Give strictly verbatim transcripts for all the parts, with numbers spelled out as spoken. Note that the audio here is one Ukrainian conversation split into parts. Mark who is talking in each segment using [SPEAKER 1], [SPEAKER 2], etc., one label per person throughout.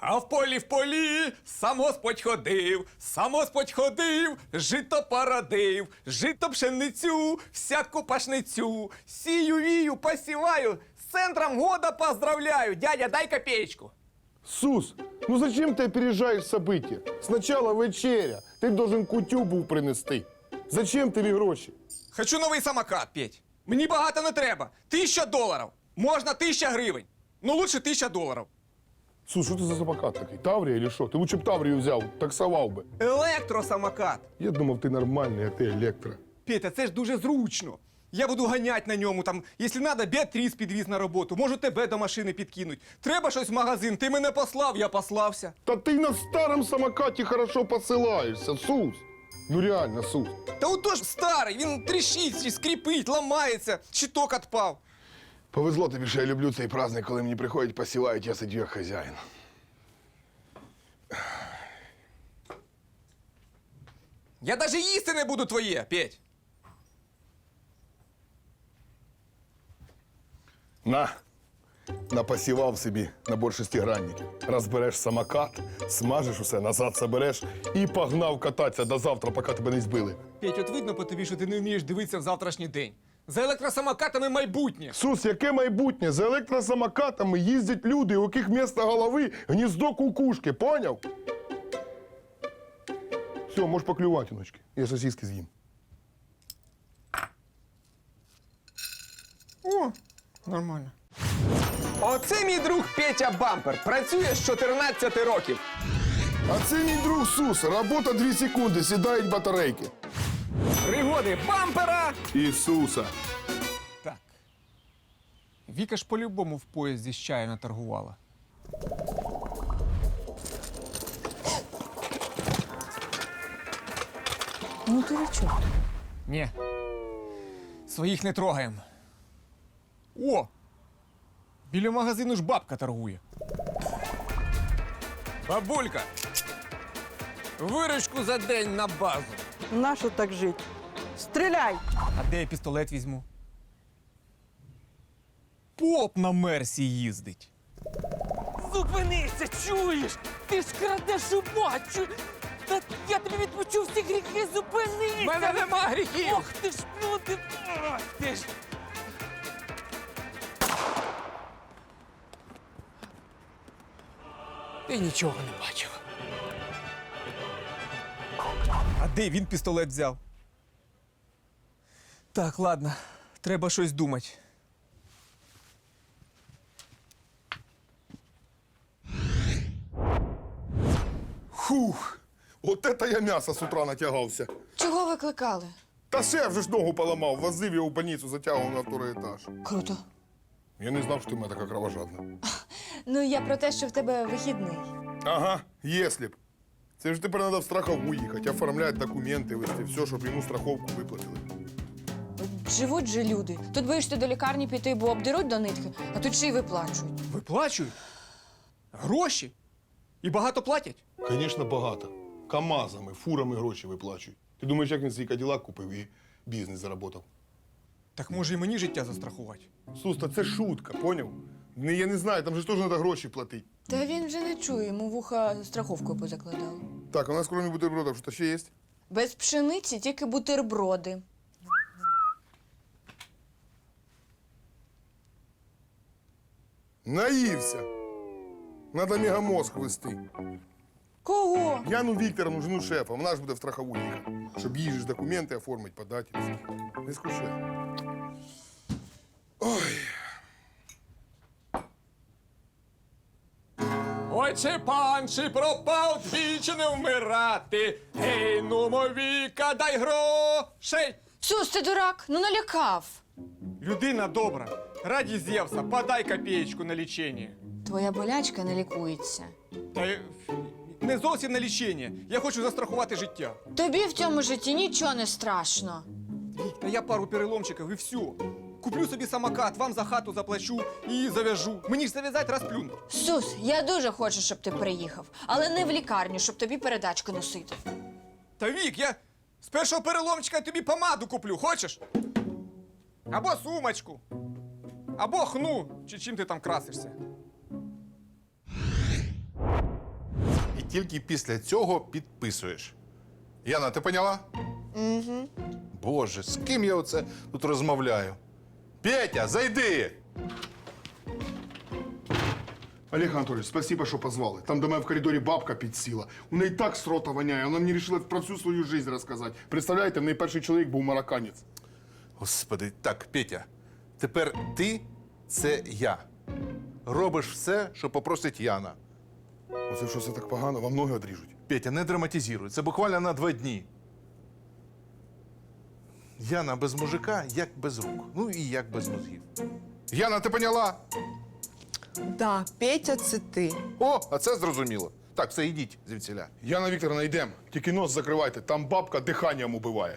[SPEAKER 1] А в полі в полі сам Господь ходив, сам Господь ходив, жито породив, жито пшеницю, всяку пашницю. Сію, вію, посіваю, з центром года поздравляю. Дядя, дай копеечку.
[SPEAKER 2] Сус, ну зачем ты опережаешь события? Сначала вечеря. Ти должен кутю був принести. Зачем тобі гроші?
[SPEAKER 1] Хочу новий самокат, Петь. Мені багато не треба. Тисяча доларів. Можна тисяча гривень. Ну, лучше тисяча доларів.
[SPEAKER 2] Сус, що це за самокат такий? Таврія чи що? Ти лучше б Таврію взяв, таксував би.
[SPEAKER 1] Електросамокат.
[SPEAKER 2] Я думав, ти нормальний, а ти електро.
[SPEAKER 1] Петя, це ж дуже зручно. Я буду ганяти на ньому, там, якщо треба, Беатріс підвіз на роботу, можу тебе до машини підкинуть. Треба щось в магазин, ти мене послав, я послався.
[SPEAKER 2] Та ти на старому самокаті хорошо посилаєшся, Сус. Ну реально, Сус.
[SPEAKER 1] Та отож старий, він тріщить, скрипить, ламається, щиток відпав.
[SPEAKER 2] Повезло тобі, що я люблю цей праздник, коли мені приходять, посилають, я сидю як хазяїн.
[SPEAKER 1] Я навіть їсти не буду твоє, Петь.
[SPEAKER 2] На, напосівав собі набор шестигранників. Розбереш самокат, смажеш усе, назад забереш і погнав кататися до завтра, поки тебе не збили.
[SPEAKER 1] Петь, от видно по тобі, що ти не вмієш дивитися в завтрашній день. За електросамокатами майбутнє.
[SPEAKER 2] Сус, яке майбутнє? За електросамокатами їздять люди, у яких вместо голови гніздо кукушки, поняв? Все, можеш поклювати, ночки. Я сосиски з'їм.
[SPEAKER 1] О, нормально. Оце мій друг Петя Бампер. Працює з чотирнадцяти років.
[SPEAKER 2] А це мій друг Сус. Робота дві секунди, сідають батарейки.
[SPEAKER 1] Пригоди бампера.
[SPEAKER 2] Ісуса.
[SPEAKER 1] Так. Віка ж по-любому в поїзді з чаю наторгувала.
[SPEAKER 3] Ну ти чого?
[SPEAKER 1] Ні. Своїх не трогаємо. О! Біля магазину ж бабка торгує. Бабулька! Виручку за день на базу.
[SPEAKER 3] Нащо так жити? Стріляй!
[SPEAKER 1] А де я пістолет візьму? Поп на Мерсі їздить.
[SPEAKER 4] Зупинися, чуєш? Ти ж крадеш у бачу! Та я тобі відпущу всі гріхи, зупинися!
[SPEAKER 1] В мене нема гріхів!
[SPEAKER 4] Ох ти ж, ну ти... Ах ти ж!
[SPEAKER 1] Ти нічого не бачив. А де він пістолет взяв? Так, ладно, треба щось думати.
[SPEAKER 2] Хух, от это я м'ясо з утра натягався.
[SPEAKER 5] Чого викликали?
[SPEAKER 2] Та шеф вже ж ногу поламав, возив його в больницю, затягував на второй етаж.
[SPEAKER 5] Круто.
[SPEAKER 2] Я не знав, що ти в мене така кровожадна.
[SPEAKER 5] Ну, я про те, що в тебе вихідний.
[SPEAKER 2] Ага, если б. Це ж тепер треба в страхову їхати, оформляти документи, вести все, щоб йому страховку виплатили.
[SPEAKER 5] Живуть же люди. Тут боїшся до лікарні піти, бо обдеруть до нитки, а тут ще й виплачують.
[SPEAKER 1] Виплачують? Гроші? І багато платять?
[SPEAKER 2] Звісно, багато. КАМАЗами, фурами гроші виплачують. Ти думаєш, як він свій каділак купив і бізнес заработав?
[SPEAKER 1] Так може і мені життя застрахувати?
[SPEAKER 2] Сус, та це шутка, поняв? Не, я не знаю, там же ж теж треба гроші платити.
[SPEAKER 5] Та він вже не чує, йому вуха страховкою позакладали.
[SPEAKER 2] Так, у нас кроме бутербродів, що ще є?
[SPEAKER 5] Без пшениці тільки бутерброди.
[SPEAKER 2] Наївся. Надо мегамозг вести.
[SPEAKER 5] Кого?
[SPEAKER 2] Яну Вікторовну, жену шефа, вона ж буде в страхову їхати, щоб їй ж документи оформити, подати. Не скучай. Ой.
[SPEAKER 1] Ой, чи пан, чи пропав, двічі не вмирати. Гей, нумо, Віка, дай грошей.
[SPEAKER 5] Сус, ти дурак, ну налякав.
[SPEAKER 1] Людина добра, раді Зевса, подай копеечку на лічення.
[SPEAKER 5] Твоя болячка не лікується.
[SPEAKER 1] Та й не зовсім на лічення. Я хочу застрахувати життя.
[SPEAKER 5] Тобі в цьому житті нічого не страшно.
[SPEAKER 1] Вік, та я пару переломчиків і все. Куплю собі самокат, вам за хату заплачу і зав'яжу. Мені ж зав'язати розплюнуть.
[SPEAKER 5] Сус, я дуже хочу, щоб ти приїхав, але не в лікарню, щоб тобі передачку носити.
[SPEAKER 1] Та Вік, я з першого переломчика тобі помаду куплю, хочеш? Або сумочку, або хну, чи чим ти там красишся.
[SPEAKER 6] тільки після цього підписуєш. Яна, ти поняла? Угу. Боже, з ким я оце тут розмовляю? Петя, зайди!
[SPEAKER 2] Олег Анатольевич, спасибо, що позвали. Там до мене в коридорі бабка підсіла. У неї так з рота воняє, вона мені вирішила про всю свою життя розказати. Представляєте, в неї перший чоловік був марокканець.
[SPEAKER 6] Господи, так, Петя, тепер ти – це я. Робиш все, що попросить Яна.
[SPEAKER 2] Оце що це так погано, вам ноги одріжуть.
[SPEAKER 6] Петя, не драматизируй, це буквально на два дні. Яна без мужика, як без рук. Ну і як без мозгів. Яна, ти поняла?
[SPEAKER 7] Да, Петя, це ти.
[SPEAKER 6] О, а це зрозуміло. Так, все, йдіть звідсіля.
[SPEAKER 2] Яна Вікторовна, йдемо. Тільки нос закривайте, там бабка диханням убиває.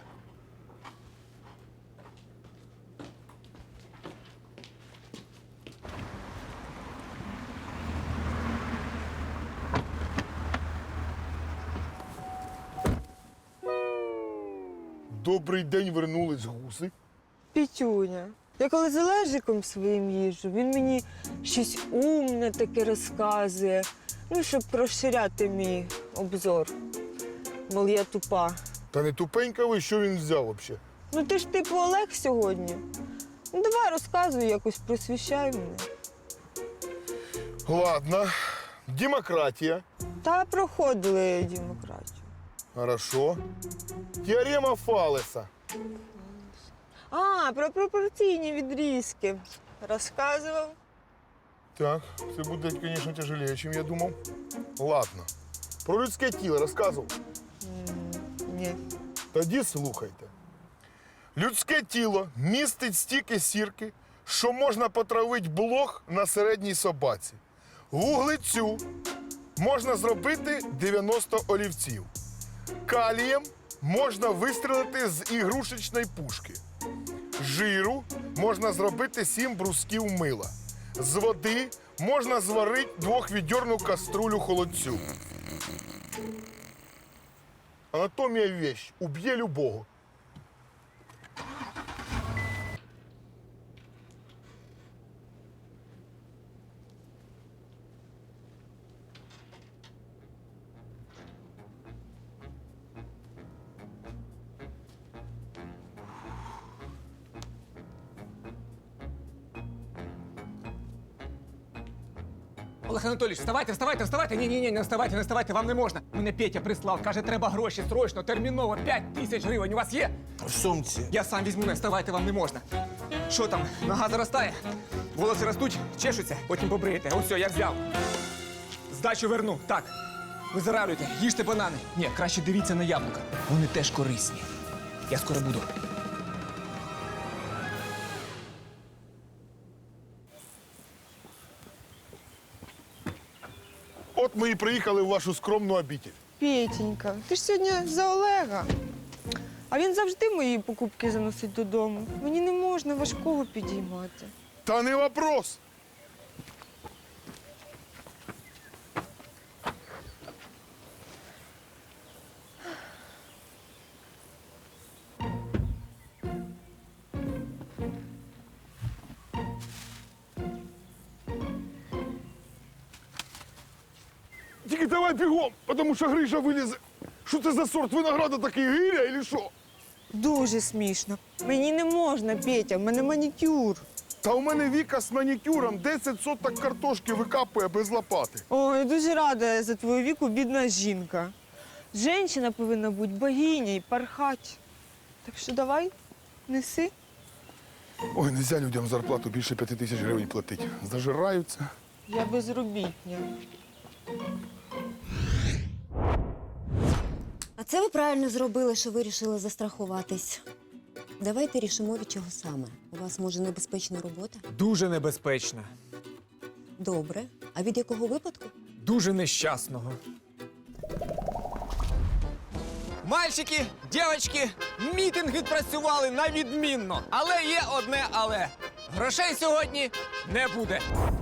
[SPEAKER 2] Добрий день, вернулись гуси.
[SPEAKER 7] Петюня. Я коли з Олежиком своїм їжджу, він мені щось умне таке розказує. Ну, щоб розширяти мій обзор. Мол, я тупа.
[SPEAKER 2] Та не тупенька ви, що він взяв взагалі?
[SPEAKER 7] Ну ти ж типу Олег сьогодні. Ну давай розказуй якось, просвіщай мене.
[SPEAKER 2] Ладно. Демократія.
[SPEAKER 7] Та проходили демократію.
[SPEAKER 2] Хорошо. Теорема Фалеса.
[SPEAKER 7] А, про пропорційні відрізки. Розказував.
[SPEAKER 2] Так, це буде, звісно, тяжелее, ніж я думав. Ладно. Про людське тіло розказував.
[SPEAKER 7] Ні.
[SPEAKER 2] Тоді слухайте. Людське тіло містить стільки сірки, що можна потравити блох на середній собаці. Вуглецю можна зробити дев'яносто олівців. Калієм можна вистрілити з ігрушечної пушки. Жиру можна зробити сім брусків мила. З води можна зварити двохвідьорну каструлю холодцю. Анатомія – вещь, уб'є любого.
[SPEAKER 1] Олег Анатолійович, вставайте, вставайте, вставайте. Ні, ні, ні, не вставайте, не вставайте, вам не можна. Мене Петя прислав, каже, треба гроші, срочно, терміново, п'ять тисяч гривень. У вас є?
[SPEAKER 6] В сумці.
[SPEAKER 1] Я сам візьму, не вставайте, вам не можна. Що там, нога заростає? Волоси ростуть, чешуться, потім побриєте. Ось все, я взяв. Здачу верну. Так. Визаравлюйте, їжте банани. Ні, краще дивіться на яблука. Вони теж корисні. Я скоро буду.
[SPEAKER 2] От ми і приїхали в вашу скромну обітель.
[SPEAKER 7] Петенька, ти ж сьогодні за Олега. А він завжди мої покупки заносить додому. Мені не можна важкого підіймати.
[SPEAKER 2] Та не вопрос. Тільки давай бігом, тому що Гриша вилізе. Що це за сорт винограда такий, гиря чи що?
[SPEAKER 7] Дуже смішно. Мені не можна, Петя, в мене манікюр.
[SPEAKER 2] Та у мене Віка з манікюром десять соток картошки викапує без лопати.
[SPEAKER 7] Ой, дуже рада за твою віку, бідна жінка. Женщина повинна бути богиня і пархати. Так що давай, неси.
[SPEAKER 2] Ой, нельзя людям зарплату більше п'яти тисяч гривень платити. Зажираються.
[SPEAKER 7] Я безробітня.
[SPEAKER 8] А це ви правильно зробили, що вирішили застрахуватись. Давайте рішимо, від чого саме. У вас, може, небезпечна робота?
[SPEAKER 1] Дуже небезпечно.
[SPEAKER 8] Добре. А від якого випадку?
[SPEAKER 1] Дуже нещасного. Мальчики, дівчатки, мітинг відпрацювали на відмінно. Але є одне але. Грошей сьогодні не буде.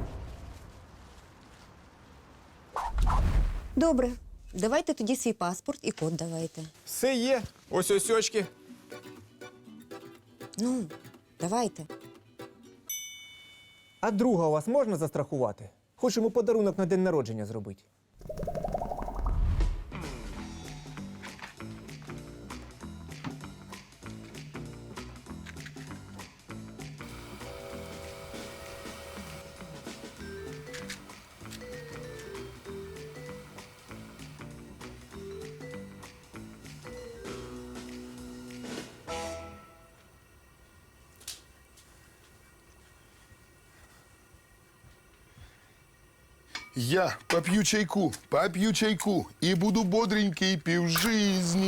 [SPEAKER 8] Добре. Давайте тоді свій паспорт і код давайте.
[SPEAKER 1] Все є. Ось ось очки.
[SPEAKER 8] Ну, давайте.
[SPEAKER 9] А друга у вас можна застрахувати? Хочемо подарунок на день народження зробити.
[SPEAKER 2] Я поп'ю чайку, поп'ю чайку і буду бодренький півжизні.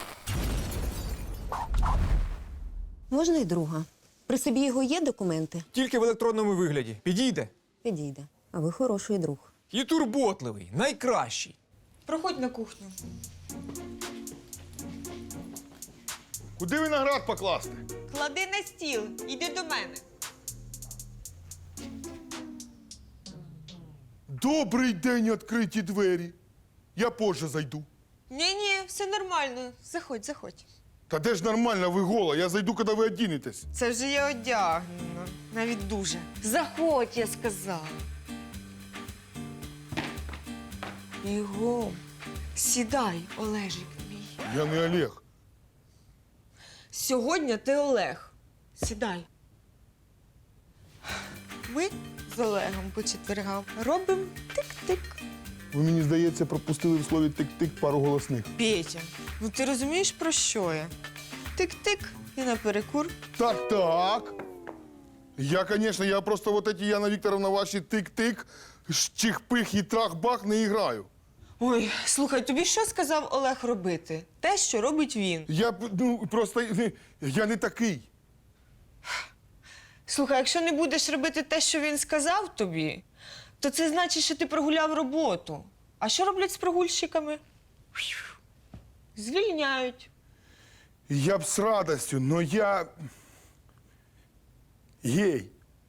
[SPEAKER 8] Можна й друга. При собі його є документи?
[SPEAKER 1] Тільки в електронному вигляді. Підійде.
[SPEAKER 8] Підійде. А ви хороший друг.
[SPEAKER 1] І турботливий, найкращий.
[SPEAKER 7] Проходь на кухню.
[SPEAKER 2] Куди виноград покласти?
[SPEAKER 7] Клади на стіл, іди до мене.
[SPEAKER 2] Добрий день, відкриті двері. Я позже зайду.
[SPEAKER 7] Ні-ні, все нормально. Заходь, заходь.
[SPEAKER 2] Та де ж нормально, ви гола? Я зайду, коли ви одінетесь.
[SPEAKER 7] Це вже я одягнена. Навіть дуже. Заходь, я сказала. Його. Сідай, Олежик мій.
[SPEAKER 2] Я не Олег.
[SPEAKER 7] Сьогодні ти Олег. Сідай. Ми з Олегом по четвергам робимо тик-тик.
[SPEAKER 2] Ви, мені здається, пропустили в слові тик-тик пару голосних.
[SPEAKER 7] Петя, ну ти розумієш, про що я? Тик-тик і наперекур.
[SPEAKER 2] Так, так. Я, звісно, я просто вот эти, Яна Вікторовна, ваші тик-тик, чих-пих і трах-бах не граю.
[SPEAKER 7] Ой, слухай, тобі що сказав Олег робити? Те, що робить він.
[SPEAKER 2] Я, б, ну, просто, я не такий.
[SPEAKER 7] Слухай, якщо не будеш робити те, що він сказав тобі, то це значить, що ти прогуляв роботу. А що роблять з прогульщиками? Звільняють.
[SPEAKER 2] Я б з радостю, но я гей.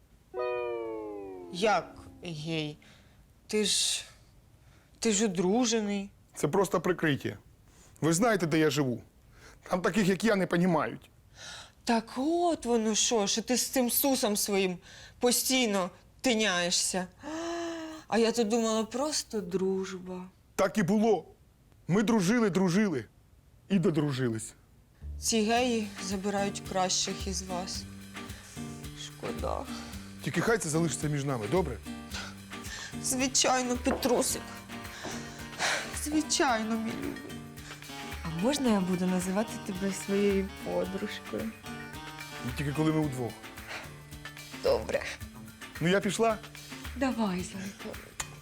[SPEAKER 7] Як гей? Ти ж. Ти ж одружений.
[SPEAKER 2] Це просто прикриття. Ви знаєте, де я живу? Там таких, як я, не понімають.
[SPEAKER 7] Так от воно що, що ти з цим сусом своїм постійно тиняєшся. А я то думала, просто дружба.
[SPEAKER 2] Так і було. Ми дружили, дружили і додружились.
[SPEAKER 7] Ці геї забирають кращих із вас. Шкода.
[SPEAKER 2] Тільки хай це залишиться між нами, добре?
[SPEAKER 7] Звичайно, Петрусик. Звичайно, мій любий. А можна я буду називати тебе своєю подружкою?
[SPEAKER 2] Тільки коли ми удвох.
[SPEAKER 7] Добре.
[SPEAKER 2] Ну я пішла.
[SPEAKER 7] Давай, зайко.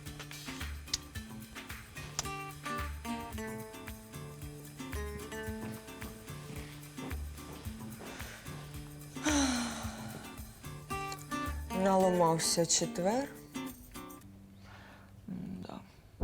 [SPEAKER 7] Наламався четвер. Да.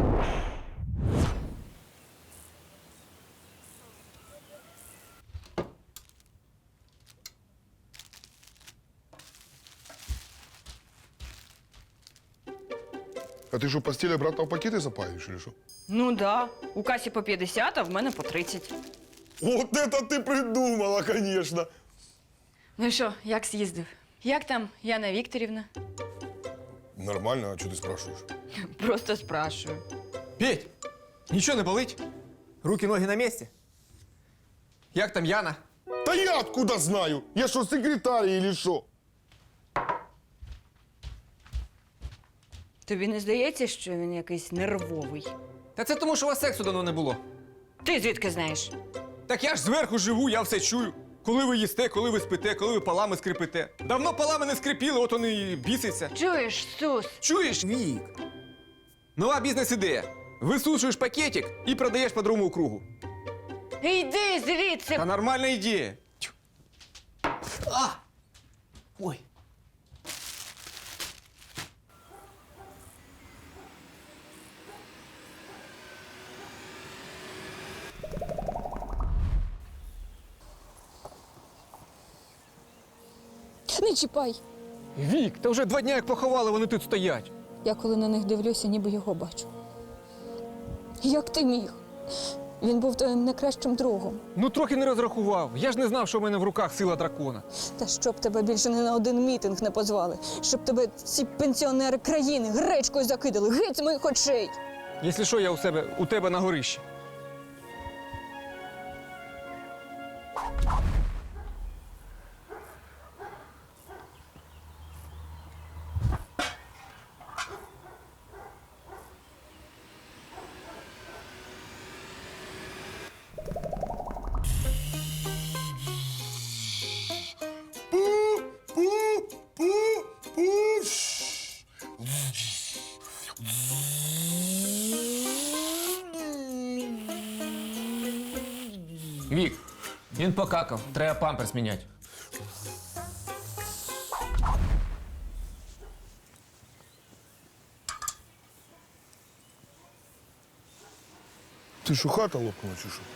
[SPEAKER 2] А ти що, постіль обратно в пакети запаюєш, чи що?
[SPEAKER 5] Ну да. У касі по п'ятдесят, а в мене по тридцять.
[SPEAKER 2] От це ти придумала, звісно.
[SPEAKER 5] Ну і що, як з'їздив? Як там Яна Вікторівна?
[SPEAKER 2] Нормально, а чого ти спрашуєш?
[SPEAKER 5] Просто спрашую.
[SPEAKER 1] Петь, нічого не болить? Руки, ноги на місці? Як там Яна?
[SPEAKER 2] Та я откуда знаю? Я що, секретар или що?
[SPEAKER 5] Тобі не здається, що він якийсь нервовий?
[SPEAKER 1] Та це тому, що у вас сексу давно не було.
[SPEAKER 5] Ти звідки знаєш?
[SPEAKER 1] Так я ж зверху живу, я все чую. Коли ви їсте, коли ви спите, коли ви полами скрипите. Давно полами не скрипіли, от вони і бісяться.
[SPEAKER 5] Чуєш, Сус?
[SPEAKER 1] Чуєш? Вік. Нова бізнес-ідея. Висушуєш пакетик і продаєш по другому кругу.
[SPEAKER 5] Йди звідси!
[SPEAKER 1] Та нормальна ідея. Тю. А! Ой.
[SPEAKER 5] Не чіпай!
[SPEAKER 1] Вік, та вже два дні як поховали, вони тут стоять.
[SPEAKER 5] Я коли на них дивлюся, ніби його бачу. Як ти міг? Він був твоїм найкращим другом.
[SPEAKER 1] Ну трохи не розрахував. Я ж не знав, що в мене в руках сила дракона.
[SPEAKER 5] Та щоб тебе більше не на один мітинг не позвали, щоб тебе ці пенсіонери країни гречкою закидали, геть з моїх очей.
[SPEAKER 1] Якщо що, я у себе у тебе на горищі.
[SPEAKER 2] Пу, пу, пу, пу.
[SPEAKER 4] Вік, він покакав, треба памперс міняти.
[SPEAKER 2] Ти що, хата лопнула чи що?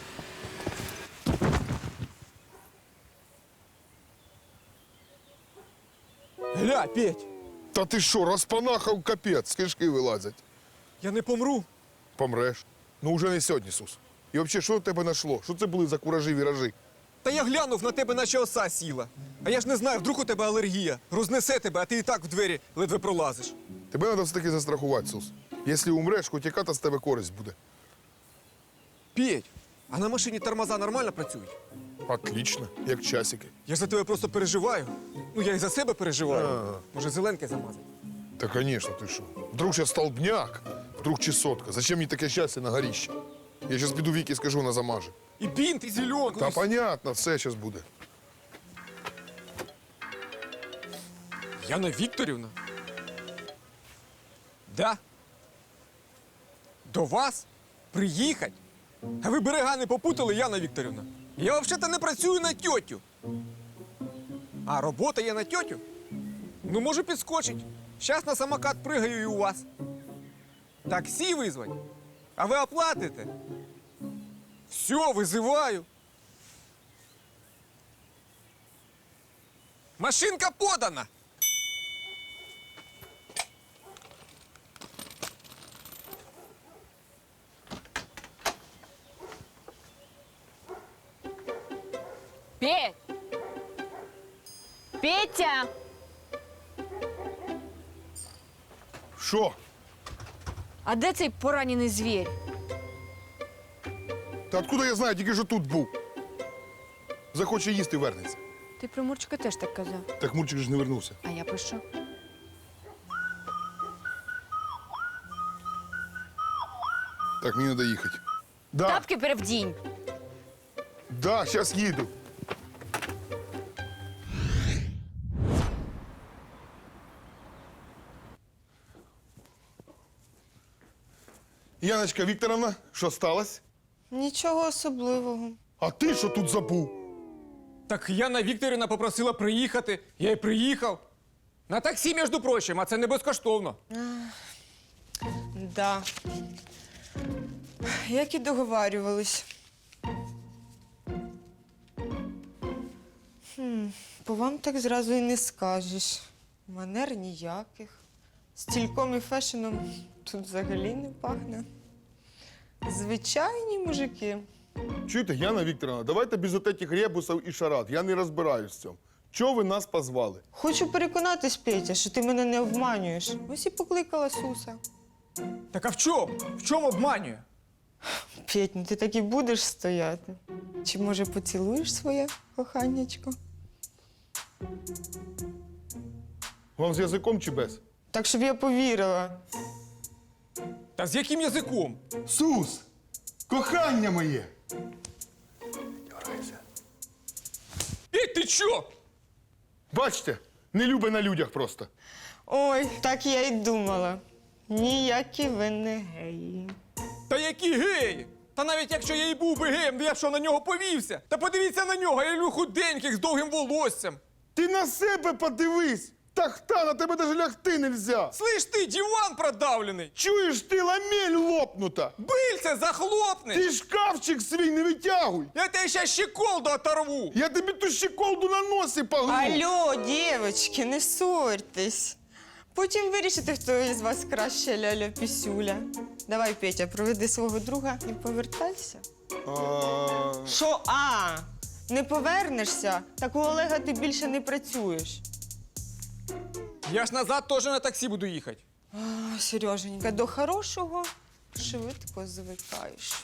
[SPEAKER 1] Гля, Петь,
[SPEAKER 2] Та ти що, розпанахав капець, з кишки вилазять.
[SPEAKER 1] я не помру.
[SPEAKER 2] Помреш. Ну вже не сьогодні, Сус. І взагалі, що до тебе знайшло? Що це були за куражі віражі?
[SPEAKER 1] Та я глянув на тебе, наче оса сіла. А я ж не знаю, вдруг у тебе алергія. Рознесе тебе, а ти і так в двері ледве пролазиш.
[SPEAKER 2] Тебе треба все-таки застрахувати, Сус. Якщо умреш, хоч яка-то з тебе користь буде.
[SPEAKER 1] Петь, а на машині тормоза нормально працюють?
[SPEAKER 2] Отлично, як часики.
[SPEAKER 1] Я за тебе просто переживаю. Ну, я і за себе переживаю. Може, зеленки замазати?
[SPEAKER 2] Та, звісно, ти що. Вдруг ще столбняк, вдруг чесотка. Зачем мені таке щастя на горіще? Я зараз піду Вікі скажу, вона замаже.
[SPEAKER 1] І бінт, і зеленку.
[SPEAKER 2] Та
[SPEAKER 1] і...
[SPEAKER 2] понятно, все зараз буде.
[SPEAKER 1] Яна Вікторівна? Да? До вас? Приїхать? А ви берега не попутали, Яна Вікторівна? Я взагалі не працюю на тьотю. А робота є на тьотю? Ну, можу підскочить. Щас на самокат пригаю і у вас. Таксі визвать? А ви оплатите? Все, визиваю. Машинка подана.
[SPEAKER 5] Петь! Петя!
[SPEAKER 2] Що?
[SPEAKER 5] А де цей поранений звір?
[SPEAKER 2] Та откуда я знаю, тільки що тут був. Захоче їсти, вернеться.
[SPEAKER 5] Ти про Мурчика теж так казав.
[SPEAKER 2] Так Мурчик ж не вернувся.
[SPEAKER 5] А я про що?
[SPEAKER 2] Так, мені треба їхати. Да,
[SPEAKER 5] Тапки перевдінь.
[SPEAKER 2] да, зараз їду. Яночка Вікторовна, що сталося?
[SPEAKER 7] Нічого особливого.
[SPEAKER 2] А ти що тут забув?
[SPEAKER 1] Так Яна Вікторівна попросила приїхати, я й приїхав. На таксі, між прочим, а це не безкоштовно.
[SPEAKER 7] Да. Як і договарювались. Хм, по вам так зразу і не скажеш. Манер ніяких. Стільком і фешеном тут взагалі не пахне. Звичайні мужики.
[SPEAKER 2] Чуєте, Яна Вікторовна, давайте без отетих ребусів і шарад. Я не розбираюсь в цьому. Чого ви нас позвали?
[SPEAKER 7] Хочу переконатись, Петя, що ти мене не обманюєш. Ось і покликала Суса.
[SPEAKER 1] Так а в чому? В чому обманює?
[SPEAKER 7] Петь, ну ти так і будеш стояти. Чи може поцілуєш своє коханнячко?
[SPEAKER 2] Вам з язиком чи без?
[SPEAKER 7] Так, щоб я повірила.
[SPEAKER 1] Та з яким язиком?
[SPEAKER 2] Сус! Кохання моє!
[SPEAKER 1] Петь, ти чо?
[SPEAKER 2] Бачите, не любить на людях просто.
[SPEAKER 7] Ой, так я й думала. Ніякі ви не геї.
[SPEAKER 1] Та які геї? Та навіть якщо я і був би геєм, то я б що, на нього повівся? Та подивіться на нього, я люблю худеньких з довгим волоссям.
[SPEAKER 2] Ти на себе подивись! Тахта, на тебе даже лягти нельзя!
[SPEAKER 1] Слиш ти, диван продавлений!
[SPEAKER 2] Чуєш ти, ламель лопнута!
[SPEAKER 1] Бильце захлопни!
[SPEAKER 2] Ти шкафчик свій не витягуй!
[SPEAKER 1] Я тебе ще щеколду оторву!
[SPEAKER 2] Я тобі ту щеколду на носі погну!
[SPEAKER 7] Алло, дівчатки, не ссорьтесь. Потім вирішите, хто із вас краще ляля-пісюля. Давай, Петя, проведи свого друга і повертайся.
[SPEAKER 2] А,
[SPEAKER 7] Що, а? Не повернешся? Так у Олега ти більше не працюєш.
[SPEAKER 1] Я ж назад теж на таксі буду їхати.
[SPEAKER 7] А, Сереженька, до хорошого швидко звикаєш.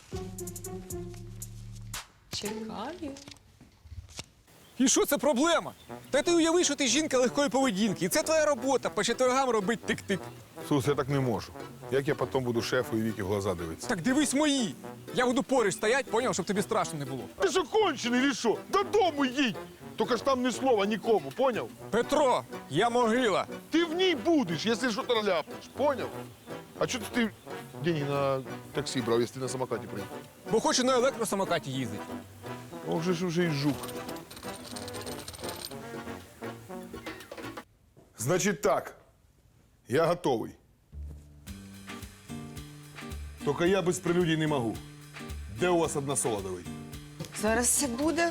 [SPEAKER 7] Чекаю.
[SPEAKER 1] І що це проблема? Та ти уяви, що ти жінка легкої поведінки. І це твоя робота, по четвергам робить тик-тик.
[SPEAKER 2] Сус, я так не можу. Як я потім буду шефу і Віки в глаза дивитися?
[SPEAKER 1] Так дивись мої. Я буду поруч стоять, поняв, щоб тобі страшно не було.
[SPEAKER 2] Ти що кончений, чи що? Додому їдь! Тільки ж там ні слова нікому, поняв?
[SPEAKER 1] Петро, я могила.
[SPEAKER 2] Ти в ній будеш, якщо що то ляпнеш, поняв? А чого ти деньги на таксі брав, якщо ти на самокаті приїхав?
[SPEAKER 1] Бо хочу на електросамокаті їздити.
[SPEAKER 2] Ох же ж уже і жук. Значить так, я готовий. Тільки я без прелюдій не можу. Де у вас односолодовий?
[SPEAKER 7] Зараз все буде.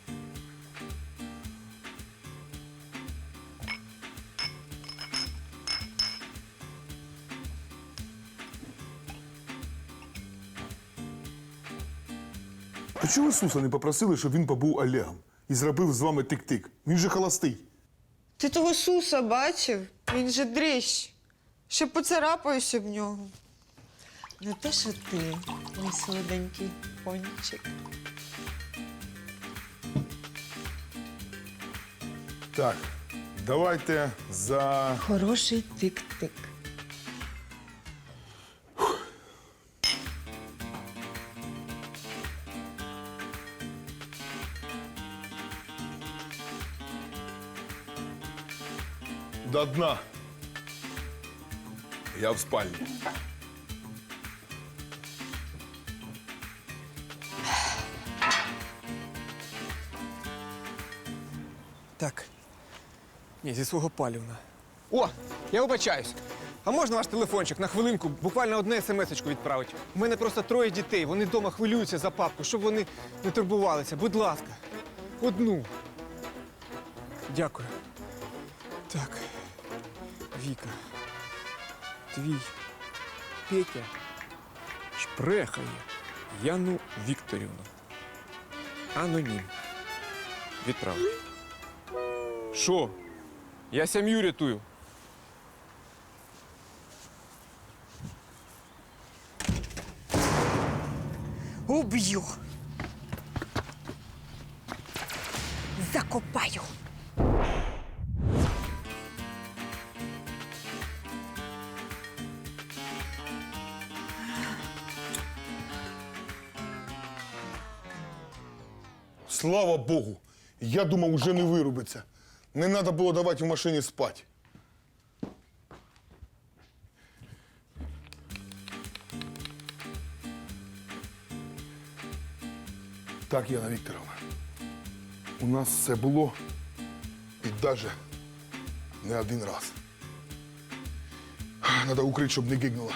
[SPEAKER 2] А чого Ісуса не попросили, щоб він побув Олегом і зробив з вами тик-тик? Він же холостий.
[SPEAKER 7] Ти того Суса бачив? Він же дрищ. Ще поцарапаюся в нього. Не те, що ти, мій солоденький пончик.
[SPEAKER 2] Так, давайте за...
[SPEAKER 7] Хороший тик-тик.
[SPEAKER 2] До дна. Я в спальні.
[SPEAKER 1] Так. Ні, зі свого палівна. О, я вибачаюсь. А можна ваш телефончик на хвилинку, буквально одне смс-очку відправити? У мене просто троє дітей, вони вдома хвилюються за папку, щоб вони не турбувалися. Будь ласка, одну. Дякую. Так. Віка. Твій Петя шпрехає Яну Вікторівну. Анонім. Відправити. Що? Я сім'ю рятую.
[SPEAKER 3] Уб'ю. Закопаю.
[SPEAKER 2] Слава Богу! Я думав, уже не вирубиться. Не треба було давати в машині спати. Так, Яна Вікторовна, у нас все було і навіть не один раз. Треба укрити, щоб не гигнуло.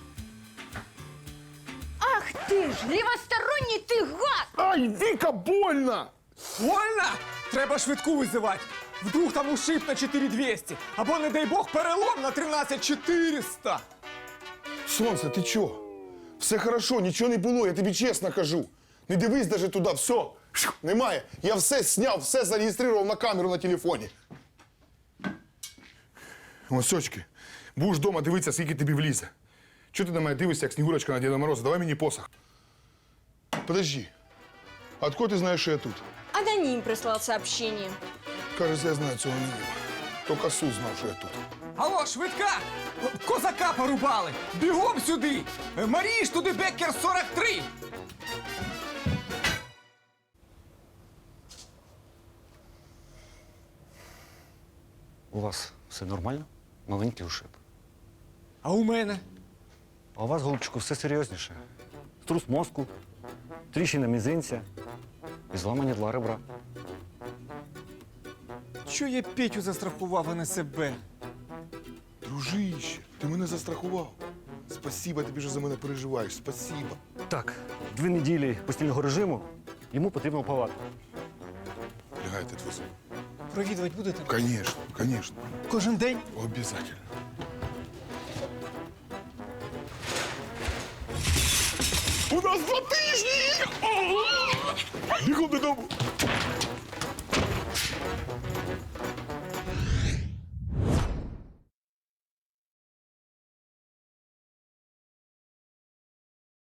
[SPEAKER 5] Ах ти ж, лівосторонній ти гад!
[SPEAKER 2] Ай, Віка, больно!
[SPEAKER 1] Вольно? Треба швидку визивати. Вдруг там ушиб на чотири двісті. Або, не дай Бог, перелом на тринадцять чотириста.
[SPEAKER 2] Сонце, ти чого? Все хорошо, нічого не було, я тобі чесно кажу. Не дивись навіть туди, все, Шух, немає. Я все зняв, все зареєстрував на камеру на телефоні. Ось, очки, будеш вдома дивитися, скільки тобі влізе. Чого ти на мене дивишся, як Снігурочка на Діда Мороза? Давай мені посох. Подожди, а откуда ти знаєш, що я тут?
[SPEAKER 5] Аноним прислал сообщение.
[SPEAKER 2] Кажется, я знаю цього не було. Тільки Сус знав, що я тут.
[SPEAKER 1] Алло, швидка! Козака порубали! Бігом сюди! Марії ж туди Беккер сорок три!
[SPEAKER 9] У вас все нормально? Маленький ушиб.
[SPEAKER 1] А у мене?
[SPEAKER 9] А у вас, голубчику, все серйозніше. Струс мозку, тріщина мізинця і зламані два ребра.
[SPEAKER 1] Чого я Петю застрахував, а не себе?
[SPEAKER 2] Дружище, ти мене застрахував. Спасибо, тобі що за мене переживаєш. Спасибо.
[SPEAKER 9] Так, дві неділі постільного режиму, йому потрібна палата.
[SPEAKER 2] Лягай, ти твій.
[SPEAKER 1] Провідувати будете?
[SPEAKER 2] Конечно, конечно.
[SPEAKER 1] Кожен день?
[SPEAKER 2] Обязательно. У нас два тижні! Бігом додому!